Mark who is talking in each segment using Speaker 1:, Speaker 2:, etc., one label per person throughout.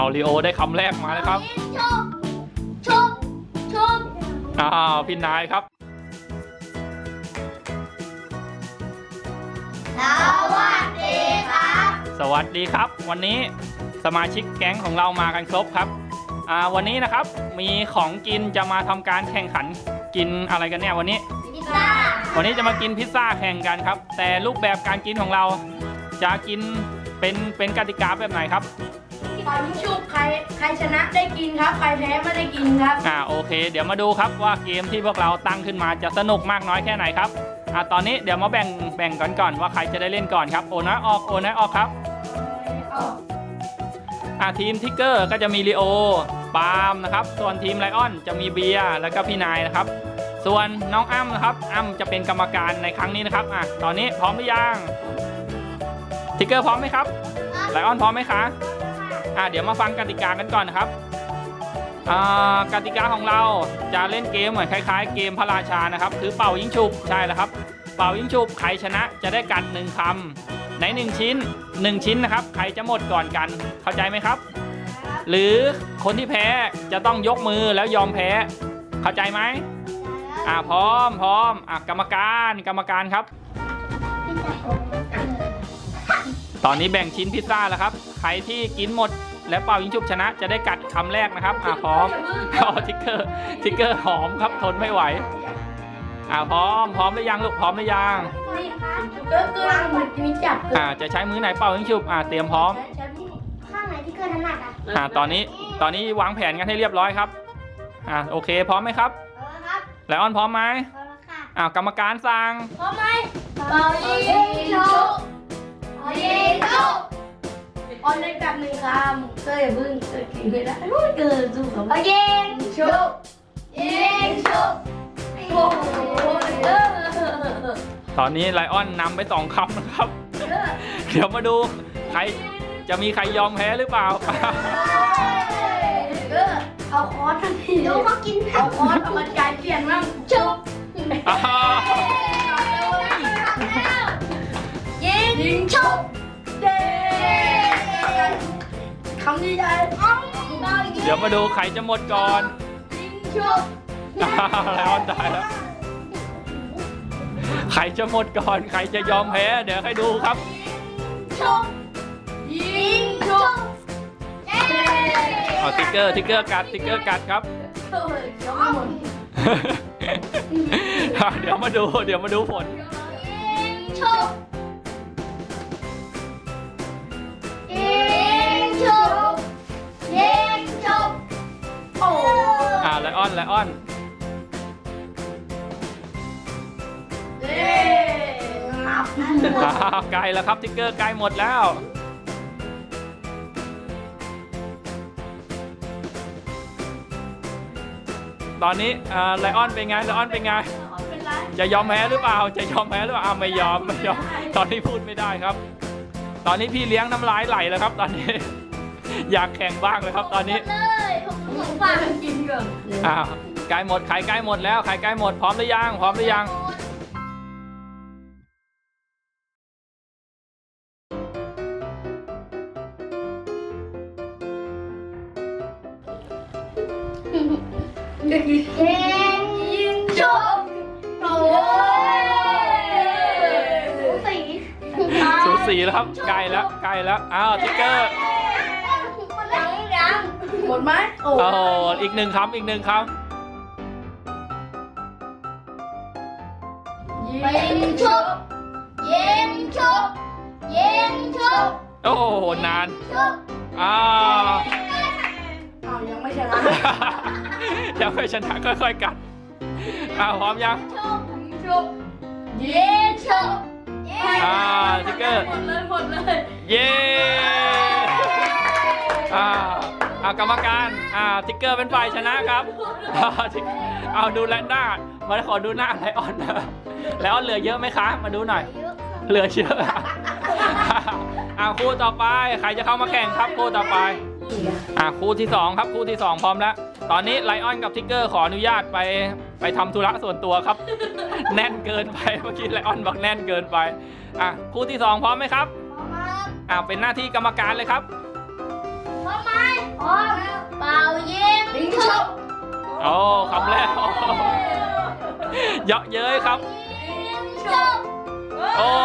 Speaker 1: ลีโอได้คำแรกมาแล้วครับ
Speaker 2: ชก
Speaker 1: พี่นายครับ
Speaker 2: สวัสดีครับ
Speaker 1: สวัสดีครับวันนี้สมาชิกแก๊งของเรามากันครบครับวันนี้นะครับมีของกินจะมาทำการแข่งขันกินอะไรกันเนี่ยวันนี้จะมากินพิซซ่าแข่งกันครับแต่รูปแบบการกินของเราจะกินเป็นกติกาแบบไหนครับ
Speaker 2: ตอนนี้ชุบใครชนะได้กินครับใครแพ้ไม่ได้กินครับ
Speaker 1: โอเคเดี๋ยวมาดูครับว่าเกมที่พวกเราตั้งขึ้นมาจะสนุกมากน้อยแค่ไหนครับตอนนี้เดี๋ยวมาแบ่งก่อนว่าใครจะได้เล่นก่อนครับโอนะออกครับทีมทิกเกอร์ก็จะมีลีโอปาล์มนะครับส่วนทีมไลออนจะมีเบียร์แล้วก็พี่นายนะครับส่วนน้องอ้ำนะครับอ้ำจะเป็นกรรมการในครั้งนี้นะครับตอนนี้พร้อมหรือยังทิกเกอร์พร้อมไหมครับไลออนพร้อมไหมคะเดี๋ยวมาฟังกติกากันก่อนนะครับกติกาของเราจะเล่นเกมเหมือนคล้ายๆเกมพระราชานะครับคือเป่ายิงฉุบใช่แล้วครับเป่ายิงฉุบใครชนะจะได้กัด1คำใน1ชิ้นนะครับใครจะหมดก่อนกันเข้าใจไหมครับหรือคนที่แพ้จะต้องยกมือแล้วยอมแพ้เข้าใจไหมพร้อมกรรมการครับตอนนี้แบ่งชิ้นพิซซ่าแล้วครับใครที่กินหมดและเป่ายิงฉุบชนะจะได้กัดคำแรกนะครับพร้อมทิกเกอร์หอมครับทนไม่ไหวพร้อมหรือยังลูกพร้อมหรือยังจะใช้มือไหนเป่ายิงฉุบเตรียมพร้อม
Speaker 2: ข้างไหนที่เกินถนัด
Speaker 1: ตอนนี้วางแผนกันให้เรียบร้อยครับโอเคพร้อมไหมครับไลออนพร้อมไหมกรรมการสั่ง
Speaker 2: พร้อมไหมเป่ายิงฉุบออนได้กับ1คำเกิดอย่าพึ่งเกิดกินไม่ได้เกิดสู้กับยิงฉุบโอ้โห
Speaker 1: ตอนนี้ไลออนนำไป2คำนะครับเดี๋ยวมาดูใครจะมีใครยอมแพ้หรือเปล่า
Speaker 2: เอาคอร์สทันทีดูเขากินเอาคอร์สเอามาจ่ายเปลี่ยนมั่งฉุบยิงฉุบคำนี้ได้
Speaker 1: เดี๋ยวมาดูใครจะหมดก่อน
Speaker 2: ยิงฉุบ
Speaker 1: ไลออนตายแล้วใครจะหมดก่อนใครจะยอมแพ้เดี๋ยวให้ดูครับ
Speaker 2: ยิงฉุบ
Speaker 1: ทิกเกอร์กัดครับเดี๋ยวมาดูผล
Speaker 2: ยิงฉุบโอ้
Speaker 1: ไลออนใกล้แล้วครับทิกเกอร์ใกล้หมดแล้วตอนนี้ไลออนเป็นไงจะยอมแพ้หรือเปล่าไม่ยอมตอนนี้พูดไม่ได้ครับตอนนี้พี่เลี้ยงน้ำลายไหลแล้วครับตอนนี้อยากแข่งบ้างเลยครับตอนนี้
Speaker 2: ผมฝากกินก่อน
Speaker 1: ใกล้หมดใครใกล้หมดแล้วใครใกล้หมดพร้อมหรือยัง
Speaker 2: ยิงฉุบโอ้ย
Speaker 1: สูสีแล้วครับใกล้แล้วทิกเกอร์
Speaker 2: หมดไหม
Speaker 1: อีก1คำ
Speaker 2: ยิงฉุบ
Speaker 1: โอ้นาน
Speaker 2: ยังไม่ชนะ
Speaker 1: ค่อยๆกัดพร้อมยัง
Speaker 2: ฉุบยิงฉุบ
Speaker 1: ทิกเกอร์
Speaker 2: หมดเลย
Speaker 1: เย้กรรมการทิกเกอร์เป็นฝ่ายชนะครับเอาดูแลหน้ามาขอดูหน้าไลออนแล้วเหลือเยอะไหมคะมาดูหน่อยเหลือเยอะคู่ต่อไปใครจะเข้ามาแข่งครับคู่ต่อไปคู่ที่2ครับคู่ที่2พร้อมแล้วตอนนี้ไลออนกับทิกเกอร์ขออนุญาตไปทำธุระส่วนตัวครับแน่นเกินไปเมื่อกี้ไลออนบอกแน่นเกินไปคู่ที่2พร้อมไหมครับเป็นหน้าที่กรรมการเลยครับ
Speaker 2: พร้อมไหมพร้อมเป่ายิงฉุบ
Speaker 1: โอ้คำแรกเยาะเย้ยครับ
Speaker 2: ยิงฉุบ
Speaker 1: โอ้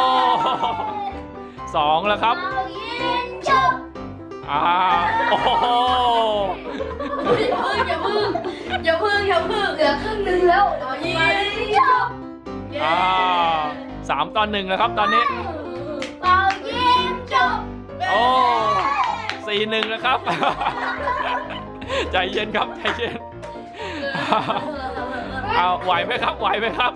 Speaker 1: 2แล้วครับ
Speaker 2: เป่ายิงฉุบ
Speaker 1: โอ้โห
Speaker 2: อย่าพึ่งเหลือครึ่งนึงแล้วยิงฉุบ
Speaker 1: 3-1แล้วครับตอนนี้
Speaker 2: เป่ายิงฉุบ
Speaker 1: โอ้4-1แล้วครับ ใจเย็นครับใจเย็นเอาไหวไหมครับไหวไหมครับ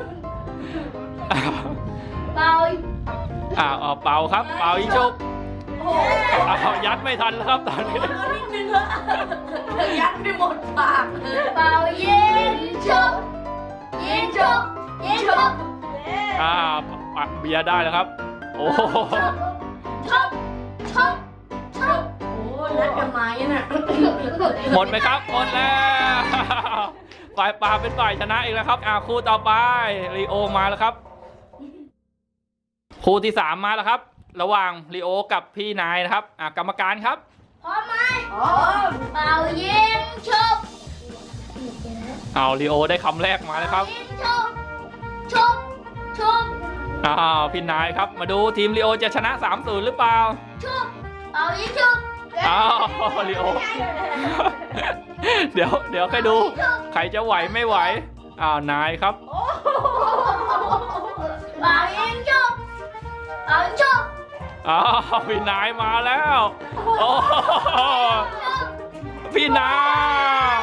Speaker 2: เป่า
Speaker 1: เอาเป่าครับเป่ายิงชุบเอายัดไม่ทันแล้วครับตอนนี้
Speaker 2: นิดนึงเถอะยัดไม่หมดปากเป่ายิงฉุบยิงฉุบยิงฉุบ
Speaker 1: เบียร์ได้แล้วครับโอ้โห
Speaker 2: ฉุบฉุบฉุบโอ้นัดกันมาเนี่ยนะ
Speaker 1: หมดไหมครับหมดแล้วฝ่ายปลาเป็นฝ่ายชนะอีกแล้วครับคู่ต่อไปลีโอมาแล้วครับคู่ที่3มาแล้วครับระหว่างลีโอกับพี่นายนะครับกรรมการครับ
Speaker 2: พร้อมไหมพร้อมเป่ายิงฉุบ
Speaker 1: เอาลีโอได้คำแรกมาแล้วครับ
Speaker 2: ยิงฉุบฉุบฉุบ
Speaker 1: พี่นายครับมาดูทีมลีโอจะชนะ 3-0 หรือเปล่า
Speaker 2: ฉุบเป่ายิงฉุบ
Speaker 1: ลีโอ เดี๋ยวค่อยดูใครจะไหวไม่ไหวนายครับ
Speaker 2: เป่ายิงฉุบเป่ายิงฉุบ
Speaker 1: พี่นายมาแล้วโอ้พี่นาย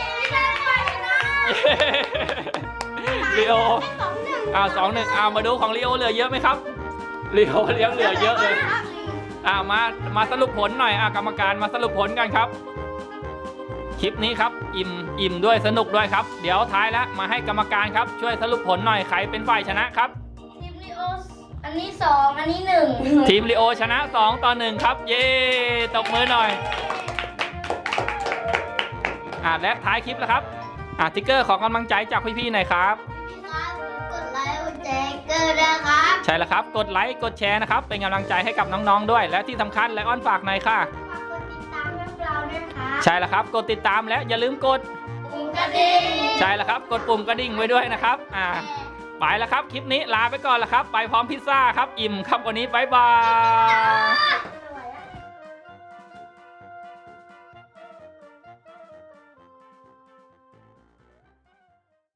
Speaker 1: ลีโอ2-1มาดูของลีโอเหลือเยอะไหมครับลีโอเลี้ยงเหลือเยอะเลยมาสรุปผลหน่อยกรรมการมาสรุปผลกันครับคลิปนี้ครับอิ่มด้วยสนุกด้วยครับเดี๋ยวท้ายแล้วมาให้กรรมการครับช่วยสรุปผลหน่อยใครเป็นฝ่ายชนะครับ
Speaker 2: ทีมลีโออันนี้2อันนี้1
Speaker 1: ทีมลีโอชนะ2-1ครับเย้ตบมือหน่อยและท้ายคลิปแล้วครับติ๊กเกอร์ขอกำลังใจจากพี่ๆหน่อยครับ
Speaker 2: กดไลค์กดแชร์เกินนะครับ
Speaker 1: ใช่แล้วครับกดไลค์กดแชร์นะครับเป็นกำลังใจให้กับน้องๆด้วยและที่สำคัญและอ้อนฝากหน่อยค่ะ
Speaker 2: ฝากกดติดตามพวกเราด้วยค่ะ
Speaker 1: ใช่แล้วครับกดติดตามและอย่าลืมกด
Speaker 2: ปุ่มกระดิ่ง
Speaker 1: ใช่แล้วครับกดปุ่มกระดิ่งไว้ด้วยนะครับไปแล้วครับคลิปนี้ลาไปก่อนแล้วครับไปพร้อมพิซซ่าครับอิ่มครับวันนี้บ๊ายบาย